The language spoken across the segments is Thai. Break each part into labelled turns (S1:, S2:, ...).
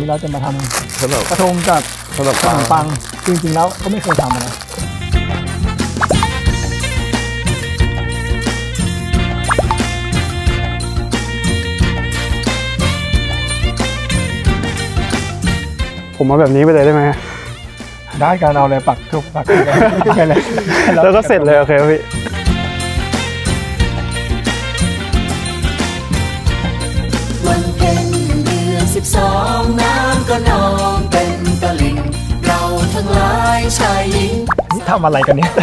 S1: นี้เราจะมาทำ
S2: ขนม
S1: กระทงกับ
S2: ขนม
S1: ขนมปังจริงๆแล้วก็ไม่เคยทำนะ
S3: ผมมาแบบนี้ไปเลยได้ไหม
S1: ได้การเอาอะไรปักทุกปักไปเลย
S3: แล้วก็เสร็จเลยโอเคพี่
S4: วันเพ็ญเดือน12น้ำก็นองเป็นตลิ่งเราทั้งหลายชายหญิง
S1: นี่ทำอะไรกันเนี่ย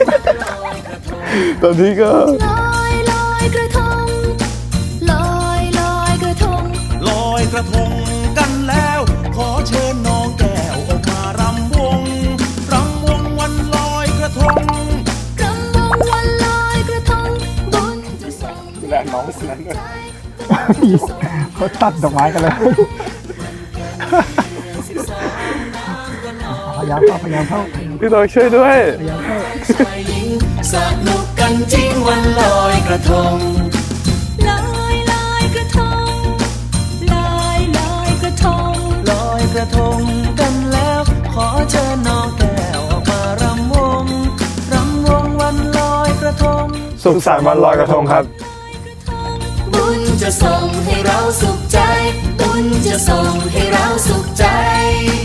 S2: ตอนนี้ก็
S4: ลอยลอยกระทงลอยลอยกระทง
S5: ลอยกระทงกันแล้ว ขอเชิญน้องแก้วออกมารำวงวันลอยกระทง
S4: รำวงวันลอยกระทงบุญจะส่ง
S3: แลน้องคนนั้นด้วย
S1: เขาตัดดอกไม้กันเลยพยายามเข้า
S3: พี่น้องช่วยด้วย
S1: พยายามเข้า
S4: ชายหญิงสนุกกันจริงวันลอยกระทงลอยลอยกระทงลอยลอยกระทงลอยกระทงกันแล้วขอเชิญน้องแก้วออกมารำวงวันลอยกระทง
S3: สุขสันต์วันลอยกระทงครับ
S4: บุญจะส่งให้เราสุขใจ บุญจะส่งให้เราสุขใจ